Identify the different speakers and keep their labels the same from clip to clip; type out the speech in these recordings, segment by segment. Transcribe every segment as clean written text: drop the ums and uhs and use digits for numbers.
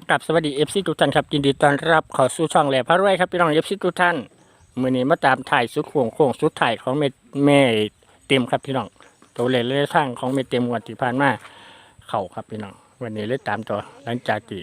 Speaker 1: กับสวัสดีFCทุกท่านครับยินดีต้อนรับเข้าสู่ช่องแหล่พระรวยครับพี่น้อง FC ทุกท่านมื้อนี้มาตามถ่ายสุดโค้งสุดถ่ายของแม่เต็มครับพี่น้องตัวเลขเลขทางของแม่เต็มงวดที่ผ่านมาเข้าครับพี่น้องวันนี้เลยตามต่อหลังจากที่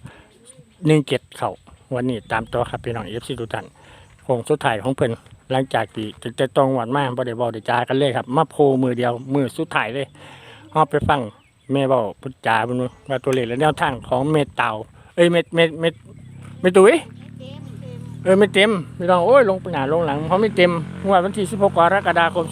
Speaker 1: 17เข้าวันนี้ตามต่อครับพี่น้อง FC ทุกท่านโค้งสุดถ่ายของเพิ่นหลังจากที่จะต้องงวดมาบ่ได้เว้าได้จากันเลยครับมาโพมือเดียวมือสุดท้ายเลยเฮาไปฟังแม่เว้าพุทธจาเพิ่นว่าตัวเลขและแนวทางของเมเต่าไม่ตุ้ยไม่เต็มไม่ต้องโอ้ยลงไปหนาลงหลังเพราะไม่เต็มงวดวันที่16กรกฎาคม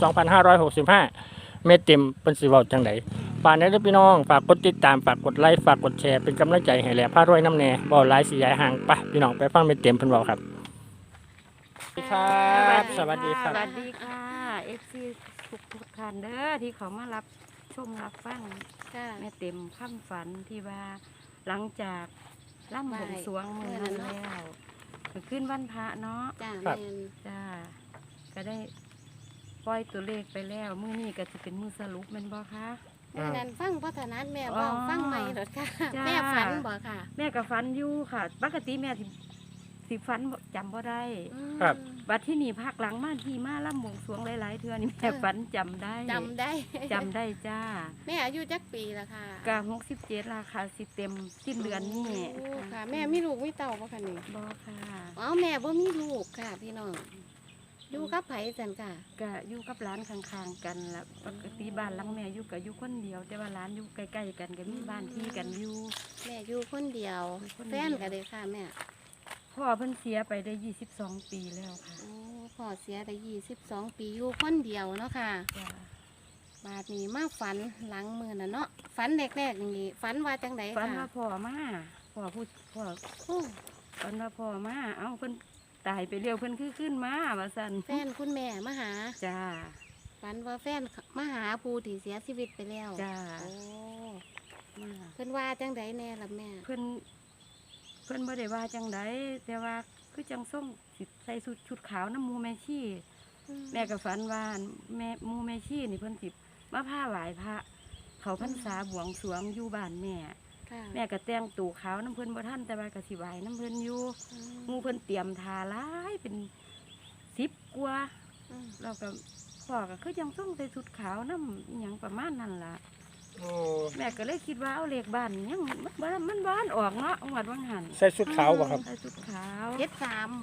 Speaker 1: 2565ไม่เต็มเป็นสิเว้าจังไดฝากนะพี่น้องฝากกดติดตามฝากกดไลค์ฝากกดแชร์เป็นกำลังใจให้แหล่พารวยน้ำแน่บ่หลายสิยายห่างไปพี่น้องไปฟังไม่เต็มเพิ่นเว้าครับสวัสดีครับสวัสดีครับ
Speaker 2: สวัสดีค่ะเอฟซีทุกท่านเด้อที่เขามารับชมรับฟังแม่เต็มข้ามฝันที่ว่าหลังจากล่ำบวงสรวงมือนั้นแล้วขึ้นวันพระเนาะ
Speaker 3: จ้า
Speaker 1: ครับ
Speaker 3: แม่น
Speaker 2: จ้าก็ได้ปล่อยตัวเลขไปแล้วมื้อนี้ก็จะเป็นมื้อสรุปแม่นบ่คะ
Speaker 3: แม่นั้นฟังพัฒนัดแม่
Speaker 2: อ๋อ
Speaker 3: บอกฟังใหม่หรอค่ะ
Speaker 2: จ้า
Speaker 3: แม่ฝันบ่ค่ะ
Speaker 2: แม่ก็ฝันอยู่ค่ะปกติแม่สิฝันบ่จำบ่ได้
Speaker 3: อืม
Speaker 1: ครับ
Speaker 2: บัดที่นี่ภาคหลังมาที่มาล่ำบวงสรวงหลายๆเทื่อนี่แม่ฝันจำได้
Speaker 3: จำได้
Speaker 2: จำได้จ้า
Speaker 3: แม่อายุจักปีละค่ะ
Speaker 2: กะ67ราคาสิเต็มสิ้นเดือนนี้
Speaker 3: โอ้ค่ะ แม่มีลูกมีเต่าบ่คะนี่
Speaker 2: บ่ค่ะ
Speaker 3: อ๋อแม่บ่มีลูกค่ะ พี่น้องอยู่กับไผจันค่ะ
Speaker 2: กะอยู่กับร้านข้างๆกันละปกติบ้านหลังแม่อยู่กะอยู่คนเดียว แต่ว่าร้านอยู่ใกล้ๆกันก็มีบ้านที่กันอยู่
Speaker 3: แม่อยู่คนเดียว
Speaker 2: อยู่คนเดี
Speaker 3: แฟ
Speaker 2: ยว
Speaker 3: นก็เลยค่ะแม่
Speaker 2: พ่อเพิ่นเสียไปได้22 ปีแล้วค่ะ
Speaker 3: โอ้พ่อเสียได้22 ปีอยู่คนเดียวเนาะค่ะ
Speaker 2: จ้า
Speaker 3: บาดนี้มาฝันหลังมื้อน่ะเนาะฝันแรกๆนี่ฝันว่าจังได
Speaker 2: ฝัน
Speaker 3: ค่ะ
Speaker 2: ว่าพ่อมาพ่อพูดพ่อ
Speaker 3: โอ้
Speaker 2: ฝันว่าพ่อมาเอ้าเพิ่นตายไปเร็วเพิ่นคือขึ้นมาว่าซั่น
Speaker 3: แฟนคุณแม่มาหา
Speaker 2: จ้า
Speaker 3: ฝันว่าแฟนมาหาผู้ที่เสียชีวิตไปแล้ว
Speaker 2: จ้า
Speaker 3: โอ้
Speaker 2: มา
Speaker 3: เพิ่นว่าจังไดแน่ล่ะแม่
Speaker 2: เพิ่นบ่ได้ว่าจังไดแต่ว่าคือจังส่งสิใส่ชุดขาวน้ำมูแม่ชี แม่ก็ฝันว่าแม่มูแม่ชีนี่เพิ่นสิมาผ้าไหวพระเขาพรรษาบวงสรวงอยู่บ้านแม่
Speaker 3: ค่ะ
Speaker 2: แม่ก็แต่งตู่ขาวน้ำเพิ่นบ่ทันแต่ว่าก็สิไหวน้ำเพิ่นอยู่
Speaker 3: อืม
Speaker 2: หมูเพิ่นเตรียมทาหลายเป็น10กว่า
Speaker 3: อืม
Speaker 2: เราก็พ่อก็คือจังส่งใส่ชุดขาวน้ำอิหยังประมาณนั้นล่ะ
Speaker 1: โอ้
Speaker 2: แม่ก็เลยคิดว่าเอาเลขบ้านยังมันบ้านออกเนาะงวดวังหัน
Speaker 1: ใส่ชุดขาวบ่ครับ
Speaker 2: ใส่ชุดขาว
Speaker 3: 73บ่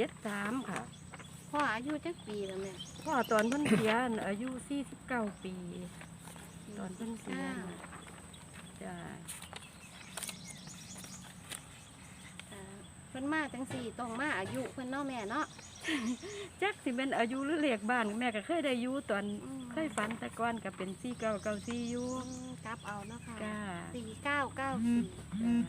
Speaker 2: 73ค่ะ
Speaker 3: พ่ออายุจักปีแล้วแม่
Speaker 2: พ่อตอนเพิ่นเสียน่ะอายุ49 ปี ตอนเพิ่นเสียน่ะจ้า
Speaker 3: เพิ่นมาจังสี่ต้องมาอายุเพิ่นเนาะแม่เนาะ
Speaker 2: จักสิเป็นอายุหรือเลขบ้านแม่ก็เคยได้อยู่ตอน
Speaker 3: อืม
Speaker 2: เคยฝันแต่ก่อนก็เป็น4994อยู่
Speaker 3: กลับเอาเนาะค่ะ
Speaker 2: จ้า
Speaker 3: 4994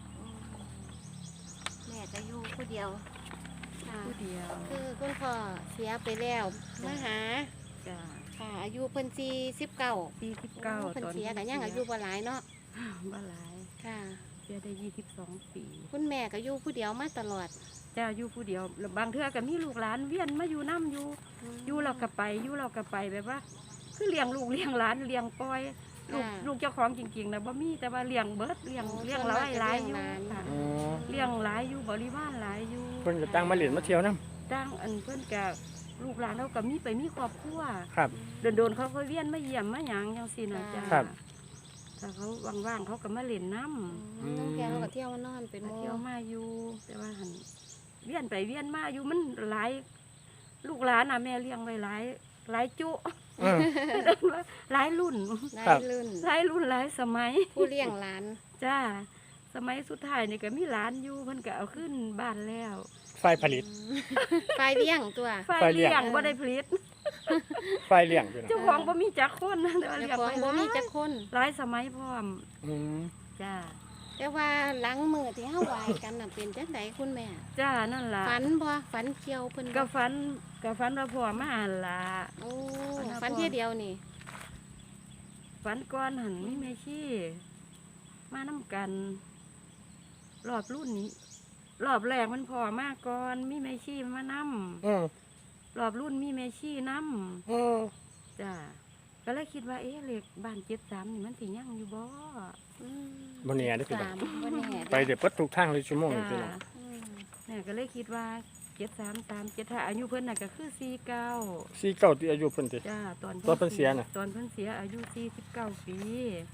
Speaker 3: แม่จะอยู่ผู้เดียวค่ะ
Speaker 2: ผู้เดียว
Speaker 3: คือคุณพ่อเสียไปแล้วมาหา
Speaker 2: จ้า
Speaker 3: ค่ะ อายุเพิ่น49
Speaker 2: 49
Speaker 3: เพิ่น
Speaker 2: ตอน
Speaker 3: เสียก็ยังอายุบ่หลายเนาะ
Speaker 2: บ่หลาย
Speaker 3: ค่ะ
Speaker 2: เสียได้22 ปี
Speaker 3: คุณแม่ก็อยู่ผู้เดียวมาตลอด
Speaker 2: จ้าอยู่ผู้เดียวแล้วบางเทื่อก็มีลูกหลานเวียนมาอยู่น้ำอยู่เราก็ไปอยู่เราก็ไปแบบว่า คือเลี้ยงลูกเลี้ยงหลานเลี้ยงปล่อยลูกเจ้าของจริงๆนะบ่มีแต่ว่าเลี้ยงเบิดเลี้ยงหลายอยู่ค่ะ
Speaker 1: อ๋อ
Speaker 2: เลี้ยงหลายอยู่บริวารหลายอยู่
Speaker 1: เพิ่นก็ตั้งมาเล่นมาเที่ยวนํ
Speaker 2: ตั้งอันเพิ่นกับลูกหลานเขาก็มีไปมีครอบครัว
Speaker 1: ครับ
Speaker 2: โดนๆเขาก็เวียนมาเยี่ยมมาหยังจังซี่นะจ้า
Speaker 1: ครับ
Speaker 2: ถ้าเขาว่างๆเขาก็มาเล่นน้ำ
Speaker 3: ตั้งแต่เราก็เที่ยวมานอนเป็นโม
Speaker 2: เที่ยวมาอยู่ แต่ว่าหันเวียนไปเวียนมาอยู่มันหลายลูกหลานน่ะแม่เลี้ยงไว้หลายจุ
Speaker 1: เออ
Speaker 2: หลายรุ่น
Speaker 3: ได้
Speaker 1: ครับ
Speaker 3: ลื่น
Speaker 2: หลายรุ่นหลายสมัย
Speaker 3: ผู้เลี้ยงหลาน
Speaker 2: จ้าสมัยสุดท้ายนี่ก็มีหลานอยู่เพิ่นก็เอาขึ้นบ้านแล้ว
Speaker 1: ไฟผลิต
Speaker 3: ไฟเลี้ยงตัว
Speaker 2: ไฟเลี้ยงบ่ได้ผลิต
Speaker 1: ไฟเลี้ยงพี่น้อง
Speaker 2: เจ้าของบ่มีจักคนนะแต่ว่า
Speaker 3: เจ้า
Speaker 2: เลี้ยง
Speaker 3: ของ
Speaker 2: ไว้
Speaker 3: บ่มีจักคน
Speaker 2: หลายสมัยพร้อม
Speaker 1: อืม
Speaker 2: จ้า
Speaker 3: แต่ว่าหลังมือที่เฮาไหวกันน่ะเป็นจังไดคุณแม่
Speaker 2: จ้านั่นล่ะ
Speaker 3: ฝันบ่ฝันเกี่ยวเพิ่นบ่
Speaker 2: ก็ฝันว่าพ่อมาหั่นล่ะ
Speaker 3: โอ้
Speaker 2: ฝันว่า
Speaker 3: ฝันเที่ยเดียวนี่
Speaker 2: ฝันก่อนหันมีแม่ชีมานํกัน รอบรุ่นนี้ รอบแรกมันพ่อมาก่อนมีแม่ชีมานํ
Speaker 1: อืม
Speaker 2: รอบรุ่นมีแม่ชีนํ
Speaker 1: อืม
Speaker 2: จ้าก็เลยคิดว่าเลขบ้าน73นี่มันสิยังอยู่บ่
Speaker 3: อืม
Speaker 1: บ่แน่เด้อพี่น้อง
Speaker 3: สามบ่แน่
Speaker 1: ไปเดี๋ยวเปิดทุกทางเลยชั่วโมงนี่พี่น้อง
Speaker 2: จ้า
Speaker 3: อืม
Speaker 2: แม่ก็เลยคิดว่า7337ถ้าอายุเพิ่นน่ะก็คือ49
Speaker 1: 49ที่อายุเพิ่นติ
Speaker 2: จ้าตอน
Speaker 1: ตอนเพิ่นเสียน่ะ
Speaker 2: ตอนเพิ่นเสียอายุ49 ปี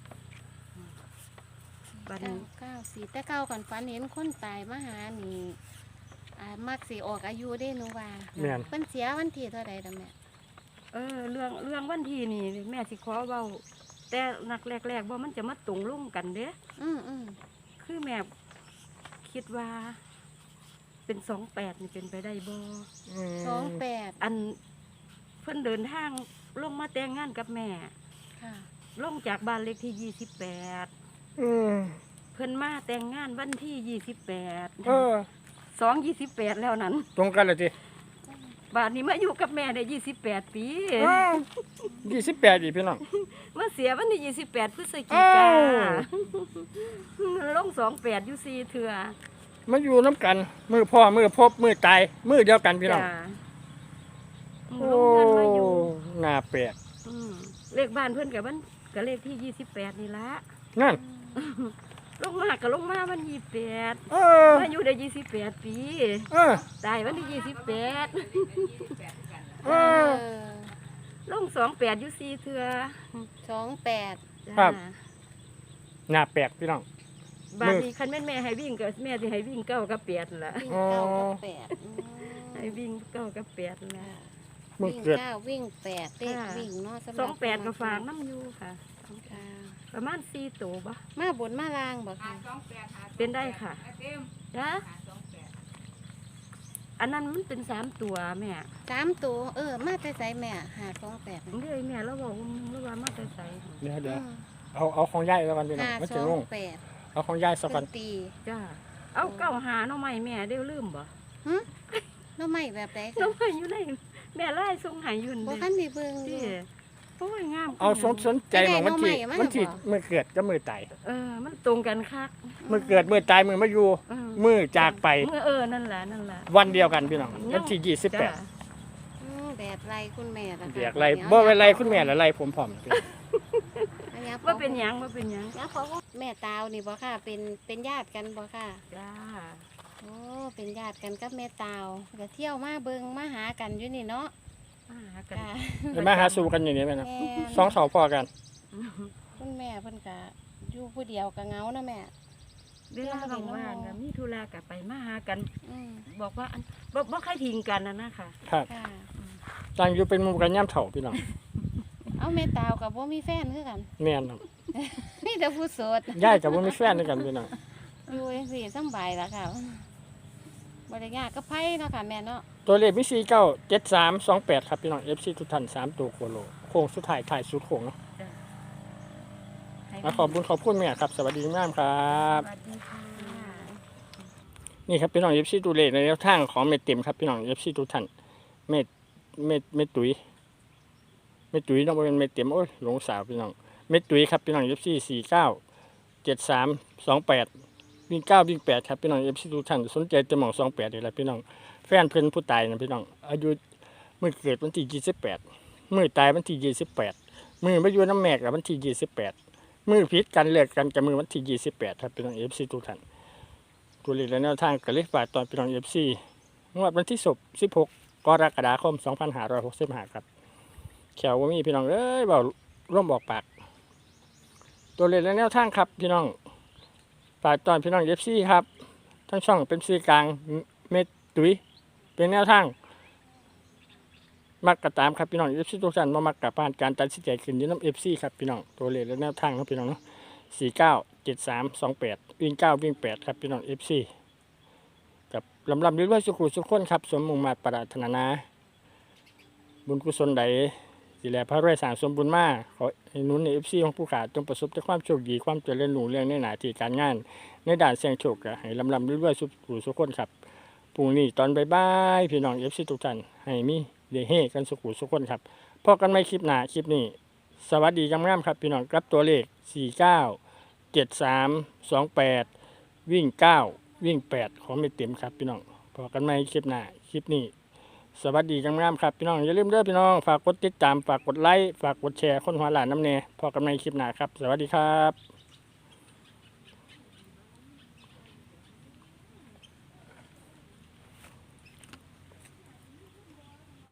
Speaker 2: บัดนี้
Speaker 3: 994แต่เก้าก่อนฝันเห็นคนตายมาหานี่มักสิออกอายุได้หนูว่า
Speaker 1: แม่น
Speaker 3: เพิ่นเสียวันที่เท่าใดล่ะแม่
Speaker 2: เรื่องวันที่นี่แม่สิขอเว้าแต่นักแรกๆบ่มันจะมาตรงลงกันเด้
Speaker 3: อืม
Speaker 2: คือแม่คิดว่า เป็น28นี่เป็นไปได้บ่
Speaker 3: 28
Speaker 2: อันเพิ่นเดินทางลงมาแต่งงานกับแม่
Speaker 3: ค่ะ
Speaker 2: ลงจากบ้านเลขที่28
Speaker 1: อืม
Speaker 2: เพิ่นมาแต่งงานวันที่
Speaker 1: เออ
Speaker 2: 28 28แล้วนั้น
Speaker 1: ตรงกันเลยที
Speaker 2: บาดนี้มาอยู่กับแม่ได้28 ปี
Speaker 1: 28อีกพี่น้อง
Speaker 2: มาเสียวันที่28พฤศจิ
Speaker 1: อ้าก
Speaker 2: าว ลง28อยู่4เทื่อ
Speaker 1: มาอยู่น้ำกัน มือพ่อมือพบมือตายมือเดียวกันพี่น้อง
Speaker 2: จ้า
Speaker 1: โอ้
Speaker 2: ลงกันมาอยู่
Speaker 1: น่าแปลก
Speaker 2: เลขบ้านเพิ่นกับมันก็เลขที่28นี่ละ
Speaker 1: นั่น
Speaker 2: ลงมาก็ลงมาวัน28
Speaker 1: เออ
Speaker 2: มาอยู่ได้28 ปี
Speaker 1: เออ
Speaker 2: ตายวันที่28
Speaker 1: เออ
Speaker 2: ลง28อยู่4เทื่อ
Speaker 3: 28
Speaker 2: จ้า
Speaker 1: ครับ น่าแปลกพี่น้อง
Speaker 2: บ้านนี้คันแม่นแม่ให้วิ่งก็แม่สิให้วิ่ง9กับ8นั่นล่ะ
Speaker 3: วิ่ง
Speaker 1: อ๋อ
Speaker 3: เก้ากับแปด
Speaker 2: ให้วิ่ง9กับ8นั่นล่ะ
Speaker 1: มึง
Speaker 3: วิ่ง
Speaker 1: เกิด
Speaker 3: เก้าวิ่ง8เลข
Speaker 2: ค่ะ
Speaker 3: วิ่งเนาะสำหรับ
Speaker 2: 28ก็ฝากน้ำอยู่ค่ะ
Speaker 3: ค่ะ
Speaker 2: ประมาณ4ตัวบ่
Speaker 3: มาบนมาลางบ่ค่ะ
Speaker 2: เป็นได้ค่ะจ้าอันนั้นมันเป็น3ตัวแม่
Speaker 3: 3ตัวมาแต่ไสแม่528
Speaker 2: เรื่อยแม่เราบอกว่ามาแต่ไส
Speaker 1: เดี๋ยวเอาของย่ายแล้วกันพี่น้องมันจะงง
Speaker 3: 528
Speaker 1: เอาของย่ายสัก
Speaker 3: เพิ่
Speaker 1: กัน
Speaker 3: นตี
Speaker 2: จ้าเอาเก้าหาหน้องใหม่แม่ได้ลืมบ่
Speaker 3: หึแล้วไม่แบบใด
Speaker 2: น้อ
Speaker 3: ค่ะ
Speaker 2: งใหม่อยู่ในแม่ไล่ส่งใหายอยู่
Speaker 3: บ่
Speaker 2: นี่
Speaker 3: คันได้เบิ่งอ
Speaker 2: ที่
Speaker 3: ยู่
Speaker 2: โอ้ยงาม
Speaker 1: เอาสนใจของวันที่
Speaker 3: ได้น้องใหม่มา
Speaker 1: วันที่
Speaker 3: บ่
Speaker 1: มือเกิดกับมือตาย
Speaker 2: มันตรงกันคัก
Speaker 1: มือเกิดมือตายมือมาอยู่
Speaker 2: เออ
Speaker 1: มือจากไป
Speaker 2: เมื่อนั่นแหละนั่นแหละ
Speaker 1: วันเดียวกันพี่น้องวันที่
Speaker 2: จ้า
Speaker 3: แบบไรคุณแม่ล่ะ
Speaker 1: 28
Speaker 3: ค่ะ
Speaker 1: เรียกไรบ่เป็นไรคุณแม่ละไรผมพร้อมพี่น้อง
Speaker 3: อันนี้
Speaker 2: ว่าเป็นหยังว่าเป็นหยัง
Speaker 3: แล้วเขาก็แม่ตาวนี่บ่ค่ะ เป็นญาติกันบ่ค่ะ
Speaker 2: จ้า
Speaker 3: โอ้เป็นญาติกันกับแม่ตาวก็เที่ยวมาเบิงมาหากันอยู่นี่เนาะ
Speaker 2: มาหากัน
Speaker 3: ค่ะ
Speaker 1: เดี๋ยวมาหาสู่กันอย่างนี้ไหมนะ
Speaker 3: แม่
Speaker 1: สองเสาพอกัน
Speaker 3: คุณแม่เพิ่นก็อยู่ผู้เดียวก็เหงาเนาะแม่
Speaker 2: เวลาว่างๆอะมีธุระกับไปมาหากัน
Speaker 3: อืม
Speaker 2: บอกว่าอันบ่ใครทิ้งกันนะค่ะ
Speaker 1: ครับ
Speaker 3: ค่ะ
Speaker 1: ต่างอยู่เป็นหมู่กันย่ำเถ่าพี่น้อง
Speaker 3: เอาแม่ตาวกับบ่มีแฟนคือกัน
Speaker 1: แม่นครับ
Speaker 3: มีแต่ผู้โสด
Speaker 1: ย่ายกับว่ามีแฟนด้วยกันพี่น้อง
Speaker 3: อยู่จังซี่สำบายล่ะค่ะบ่ได้ยากกับไผเนาะค่ะแม่เนาะ
Speaker 1: ตัวเลขมี497328ครับพี่น้อง FC ทุกท่าน3ตัวโคโลโค้งสุดท้ายถ่ายสุดโค้งเนาะ
Speaker 2: ให้
Speaker 1: ขอบคุณแม่ครับสวัสดีงามครับ
Speaker 2: สวัสดีค่ะ
Speaker 1: นี่ครับพี่น้อง FC ตัวเลขในแนวทางของเม็ดเต็มครับพี่น้อง FC ทุกท่านเม็ดตุ๋ยเนาะบ่เป็นเม็ดเต็มโอ้ยหลงสาวพี่น้องเม็ดตุ๋ยครับพี่น้อง FC 497328วิ่ง9วิ่ง8ครับพี่น้อง FC ทุกท่านสนใจจะหม่อง28นี่แหละพี่น้องแฟนเพิ่นผู้ตายนะพี่น้องอายุมื้อเกิดวันที่28มื้อตายวันที่28มื้อมาอยู่น้ำแม่กวันที่28มื้อผิดกันเลิกกันกับมื้อวันที่28ครับพี่น้อง FC ทุกท่านตัวเลขและแนวทางก็เลยฝากตอนพี่น้อง FC งวดวันที่16กรกฎาคม2565ครับแขวว่ามีพี่น้องเอ้ยเว้าร่วมบอกปากตัวเลขและแนวทางครับพี่น้องฝากตอนพี่น้อง FC ครับทั้งช่องเป็นสื่อกลางเม็ดตุ๋ยเป็นแนวทางมักกระตามครับพี่น้อง FC ทุกท่านมามักกับผ่านการตัดสินใจขึ้นอยู่น้ำ FC ครับพี่น้องตัวเลขและแนวทางครับพี่น้องเนาะ497328วิ่ง9วิ่ง8ครับพี่น้อง FC กับลำด้วยสุขุสุขคนครับสมมุ่งมาตรปรารถนาบุญกุศลใดสิแลพระรวยสร้างสมบุญมาขอให้หนุนใน FC ของผู้ขาจงประสบแต่ความโชคดีความเจริญรุ่งเรืองในหน้าที่การงานในด้านเสี่ยงโชคก็ให้ลำด้วยสุขุสุขคนครับพรุ่งนี้ตอนบ่ายๆพี่น้อง FC ทุกท่านให้มีเดเฮกันสุขุสุขคนครับพบกันใหม่คลิปหน้าคลิปนี้สวัสดีงามๆครับพี่น้องกับตัวเลข497328วิ่ง9วิ่ง8ของไม่เต็มครับพี่น้องพบกันใหม่คลิปหน้าคลิปนี้สวัสดีจังงามครับพี่น้องอย่าลืมเด้อพี่น้องฝากกดติดตามฝากกดไลค์ฝากกดแชร์คนหัวหลานน้ำเนพอกันในคลิปหน้าครับสวัสดีครับ